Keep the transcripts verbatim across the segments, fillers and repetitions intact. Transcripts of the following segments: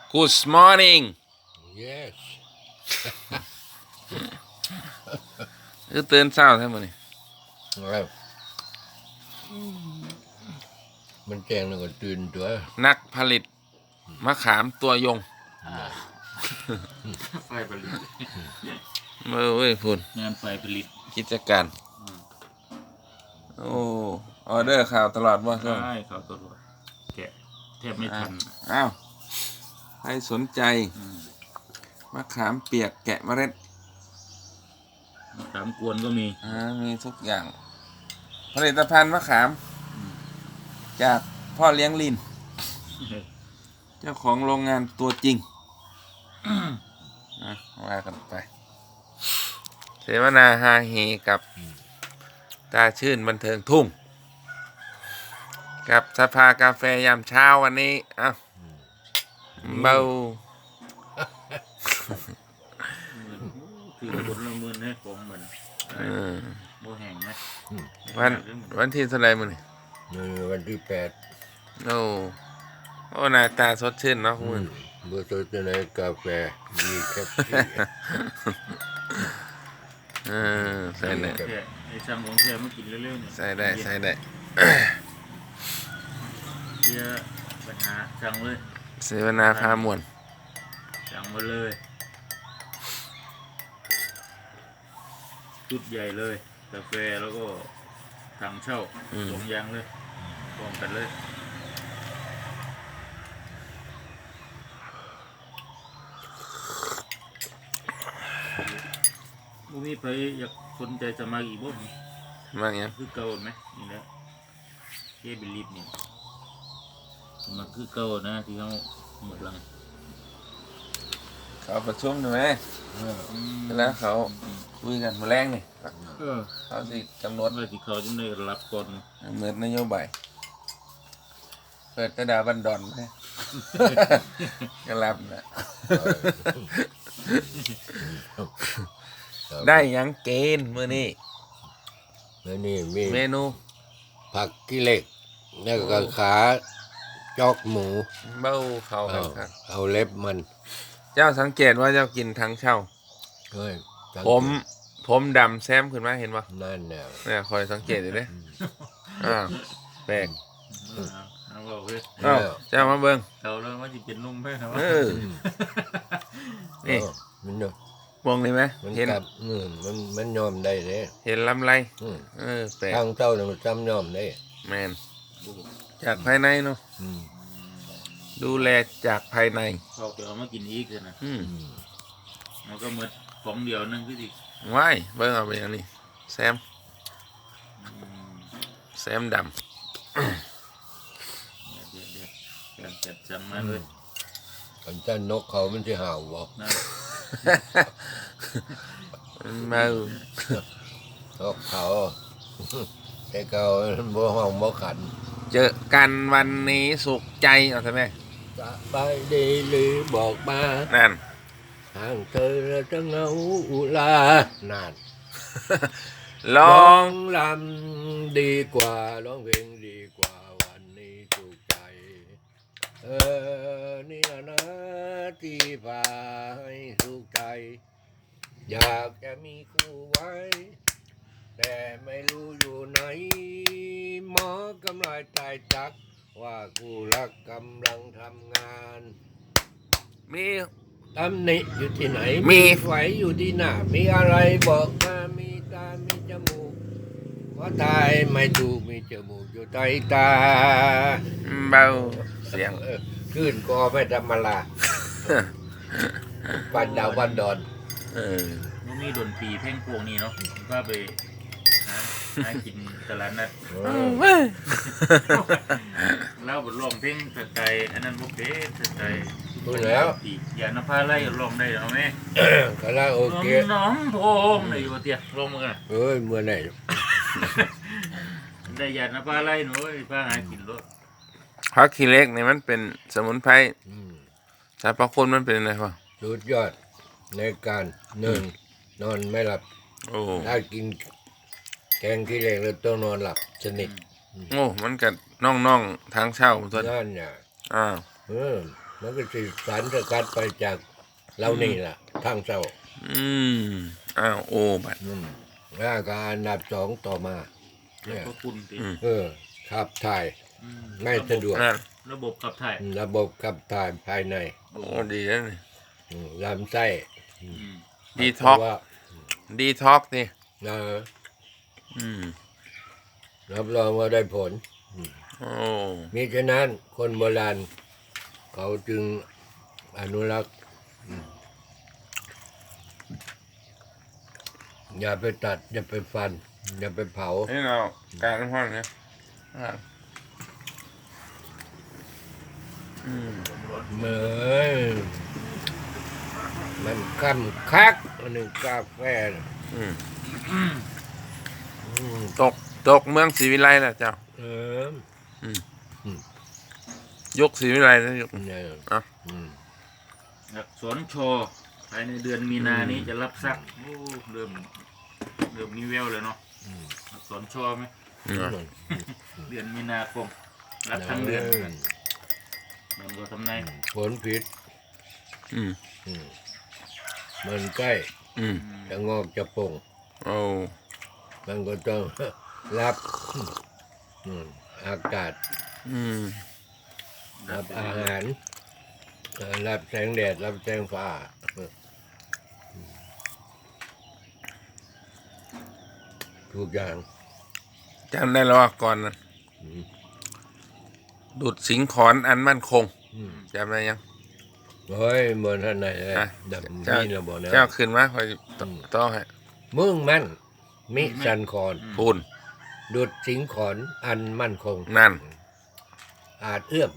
Good morning Yes คือตื่นเช้าใช่ไหมนี่ครับมันแจ้งแล้วก็ตื่นตัวนักผลิตมะขามตัวยงไฟผลิตเมื่อเว้ยพูดงานไฟผลิตกิจการโอ้ออเดอร์ข่าวตลอดว่าช่วงใช่เขาตลอดแกะแทบไม่ทันอ้าวใครสนใจมะขามเปียกแกะเมล็ดมะขามกวนก็มีอ่ามีทุกอย่าง ผลิตภัณฑ์มะขาม จากพ่อเลี้ยงลิน เจ้าของโรงงานตัวจริงนะว่ากันไป เสวนาฮาเฮกับตาชื่นบันเทิงทุ่ง กับสภากาแฟยามเช้าวันนี้อ้าวเบาคือคนละหมื่นให้ของเหมือนเออโมแห้งนะวันวันที่เท่าไหรมื้อนี่นี่วันที่แปดโอ้โอ้หน้าตาสดชื่นเนาะคุณเบอร์โทรจะไหนกาแฟดีแคปซี่เออใส่ได้แค่ไอ้ช่างของแท้มากินเร็วๆเนี่ยใส่ได้ใส่ได้เสียปัญหาสั่งเลยเสวนาพามวลสั่งมาเลยชุดใหญ่เลยกาแฟแล้วก็ถังเช่าสองอย่างเลยพร้อมกันเลยมูมีใครอยากสนใจสมัครอีกบ่มากยังคือเก่าไหมนี่แหละเจ๊บิลิฟนี่สมัครคือเก่านะที่เขาหมดลังเขาประชุมใช่ไหมเออแล้วเขาคุยกันมาแรงนี่เออเขาสิกำหนดว่าที่เขาจะได้รับก่อนเหมือนนโยบายเปิดตะดาบันดอนไหม ก็รับนะ ได้หยังเกณฑ์มื้อนี้แล้วนี่มีเมนูผักกิเหล็กแล้วก็ขาจอกหมูเบ้าเขาเอาครับเอาเล็บมันเจ้าสังเกตว่าเจ้ากินทั้งเช่าเฮ้ยสังเกตผมผมดำแซมขึ้นมาเห็นปะนั่นแนวเนี่ยคอยสังเกตอยู่เด้อ้าวแปลกเอาบอกเลยอ้าวเจ้ามาเบิ่งเขาแล้วว่าจะเป็นนุ่มไหมครับเออ นี่เออมันเนอะมองนี่ไหมมันเห็นกลับอืมมันมันยอมได้เลยเห็นลำไรอืมเออแปลกทางเจ้าเนี่ยมันจำยอมได้แมนจากภายในเนาะอืมดูแลจากภายในเขาจะเอามากินอีกเลยนะอืมอืมมันก็เหมือนของเดียวนึงคือสิว้ายเบิ่งเอาไปอย่างนี้แซมอืมแซมดเดี๋ยวเดี๋ยวเดี๋ยวการจัดสั่งมาเลยขันเจ้านกเขามันจะห่าวบ่นะำ เมานกเขา แต่เขาบ่ห้องบ่ขันเจอกันวันนี้สุขใจเอาใช่ไหมสบายดีหรือบอกมานั่นทางเธอจะเหงาอุลานานลองลำดีกว่าร้องเพลงดีกว่าวันนี้ถูกใจ เออนี่นะนะที่พาให้ถูกใจ อยากจะมีคู่ไว้ แต่ไม่รู้อยู่ไหน หมอกำลังตายจัก ว่าคู่รักกำลังทำงานมีตำหนิอยู่ที่ไหนมีไฟอยู่ที่หน้า มีอะไรบอกมา มีตา มีจมูกว่าตายไม่ถูก มีจมูกอยู่ใต้ตาเบาเสียงเออขึ้นก็ไม่ธรรมดาปันดาวปันดอนเออมันมีดนตรีเพลงพวกนี้เนาะก็ไปหาหากินตลาดนัดเออแล้วบทร้องเพลงสไตล์อันนั้นโอเคสไตล์พูดแล้วอีกอย่านภาไล่ร้องได้เหรอแม่คาราโอเกะน้องโพงในอยู่เตี้ยร้องมึงอ่ะเอ้ยเมื่อไหร่ได้อย่านภาไล่หนูพาหากินรถพักขี้เล็กนี่มันเป็นสมุนไพรอืมสรรพคุณมันเป็นอะไรวะสุดยอดในการหนึ่งนอนไม่หลับโอ้ถ้ากินแกงขี้เหล็กแล้วต้องนอนหลับสนิทโอ้มันกัดน่องๆทางเช่าตัวนั่นเนี่ยอ้าวเออมันก็สิสารสกัดไปจากเรานี่แหละทางเศร้าอืมอ้าวโอ้บัดอืมแล้วก็อันดับสองต่อมาแล้วเนี่ยก็คุณติอืมเออขับถ่ายอืมไม่สะดวกนั่นระบบขับถ่ายระบบขับถ่ายภายในโอ้ดีแล้วนี่อืมลำไส้อืมดีท็อกเพราะว่าดีท็อกนี่เอออืมรับรองว่าได้ผลโอ้มิฉะนั้นคนโบราณ เขาจึงอนุรักษ์อืมอย่าไปตัด อย่าไปฟัน อย่าไปเผานี่เราการน้ำห้อนเนี่ยอ่ะอืมเหมือนมันคำคักอันหนึ่งกาแฟน่ะอืมอืมอืมตกตกเมืองศรีวิไลนะเจ้าเออยกศรีวิไลนะยกเนี่ยอ่ะอืมอักษรชอภายในเดือนมีนานี้จะรับซักโอ้เริ่มเริ่มมีแววเลยเนาะอักษรชอไหมอืมเดือนมีนาคมรับทั้งเดือนมันก็ทำนายผลผิดอืมอืมมันใกล้อืมจะงอกจะป่งโอ้มันก็ต้อง รับอืมอากาศอืมรับอาหารเอ่อรับแสงแดด รับแสงฟ้าทุกอย่างจำได้แล้วว่าก่อนนั้นอืมดุดสิงขอนอันมั่นคงอืมจำได้ยังเฮ้ยบนท่านไหนเลยอ่ะดับเจ้านี่ระบบนะเจ้าขึ้นมาคอยตต้องให้มึงมั่นมิสันคอนพูนดุดสิงขอนอันมั่นคงนั่นอาจเอื้อม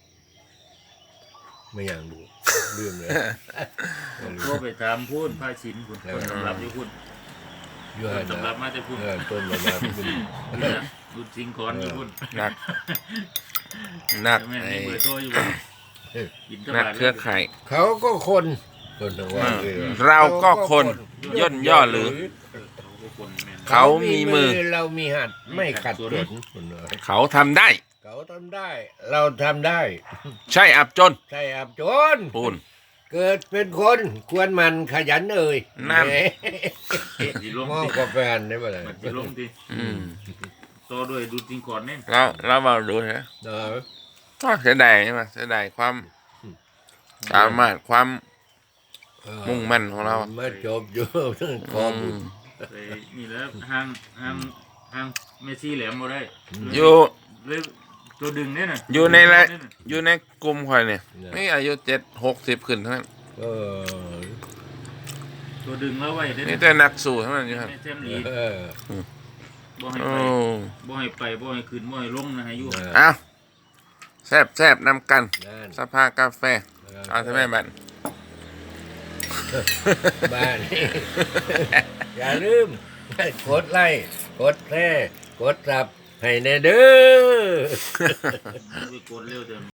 ไม่อย่างดูลืมเลยโทรไปถามพูดพาชินคุณคนสำรับอยู่คุณอยู่คหันนสำรับนะมาจะพูดเออต้นระดับคุณดูจริงก่อนอยู่คุณนัก นักแม่ไอ้มีเบอร์โทรอยู่คุณกินตนักลาดเครือข่ายเขาก็คนคนทั้งว่าเลยเราก็คนย่นย่อหรือเขาก็คนแม่นเขามีมือเรามีหัดไม่ขัดสนเขาทำได้เขาทำได้ เราทำได้ใช่อับจนใช่อับจนปูนเกิดเป็นคนควรมันขยันเอ่ยนั่นแหมสีลมมองติกาแฟนได้ปะเลยมันสีลมติอืมต่อด้วยดูจริงก่อนเนี่ยเราเรามาดูนะเออก็เสียดายใช่ไหมเสียดายความสามารถความเออมุ่งมั่นของเรามาจบอยู่ขอบุญไปนี่แล้วห้างห้างห้างเมสซี่แหลมมาได้อยู่เลยตัวดึงเนี่ยนะอยู่ในละอยู่ในกลุ่มคอยเนี่ยนี่อายุเจ็ดหกสิบขึ้นเท่านั้นเออตัวดึงแล้วไว้ได้นี่แต่นักสู้เท่านั้นอยู่ครับไม่แซมลีเออบ่ให้โอ้ไปบ่ให้ไปบ่ให้ขึ้นบ่ให้ลงนะให้อยู่เอาแซบแซบนำกันนั่นสภากาแฟเอาใช่ไหมบันบ้านนี่ อย่าลืมกดไลค์กดแชร์กดซับให้แน่เด้อไปกดเร็วเดิม